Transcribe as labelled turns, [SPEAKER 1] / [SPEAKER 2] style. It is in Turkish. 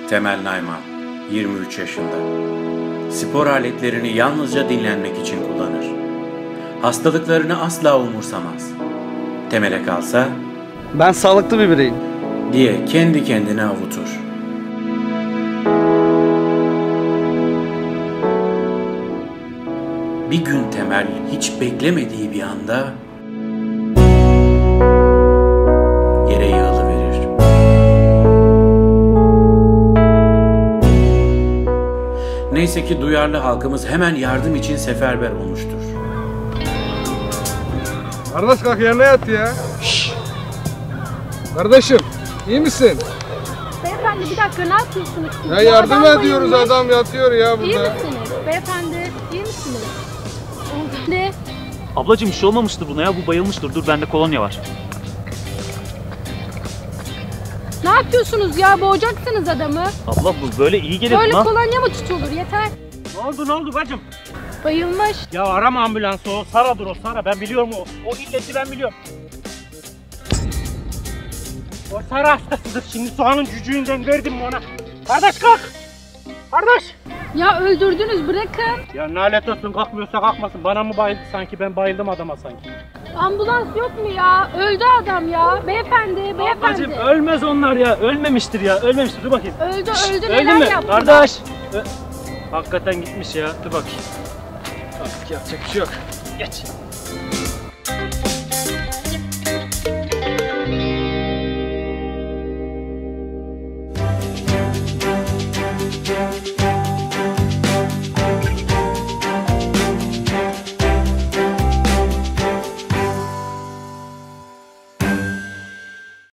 [SPEAKER 1] Temel Nayman, 23 yaşında. Spor aletlerini yalnızca dinlenmek için kullanır. Hastalıklarını asla umursamaz. Temel'e kalsa,
[SPEAKER 2] ben sağlıklı bir bireyim
[SPEAKER 1] diye kendi kendine avutur. Bir gün Temel hiç beklemediği bir anda yere yığılıverir. Neyse ki duyarlı halkımız hemen yardım için seferber olmuştur.
[SPEAKER 3] Kardeş kalk yerine yat ya. Şşş. Kardeşim iyi misin?
[SPEAKER 4] Beyefendi bir dakika, ne yapıyorsunuz siz?
[SPEAKER 3] Ya yardım ediyoruz, adam yatıyor ya burada.
[SPEAKER 4] İyi misiniz? Beyefendi iyi misiniz? Ne?
[SPEAKER 5] Ablacığım bir şey olmamıştır buna ya, bu bayılmıştır. Dur, bende kolonya var.
[SPEAKER 4] Ne yapıyorsunuz ya? Boğacaksınız adamı.
[SPEAKER 5] Abla bu böyle iyi gelir
[SPEAKER 4] Böyle
[SPEAKER 5] buna.
[SPEAKER 4] kolonya mı tutulur? Yeter.
[SPEAKER 6] Ne oldu bacım?
[SPEAKER 4] Bayılmış.
[SPEAKER 6] Ya arama ambulansı, o Sara'dır o Sara, ben biliyorum o illeti ben biliyorum. O Sara hastasıdır, şimdi soğanın cücüğünden verdim mi ona? Kardeş kalk! Kardeş!
[SPEAKER 4] Ya öldürdünüz, bırakın.
[SPEAKER 6] Ya nalet olsun, kalkmıyorsa kalkmasın, bana mı bayıldı sanki, ben bayıldım adama sanki.
[SPEAKER 4] Ambulans yok mu ya? Öldü adam ya. Beyefendi.
[SPEAKER 6] Ablacığım ölmez onlar ya, ölmemiştir ya, ölmemiştir, dur bakayım.
[SPEAKER 4] Öldü
[SPEAKER 6] Öldü
[SPEAKER 4] neler
[SPEAKER 6] mü?
[SPEAKER 4] yaptı?
[SPEAKER 6] Kardeş! Hakikaten gitmiş ya, dur bakayım. Artık yapacak bir şey yok. Geç.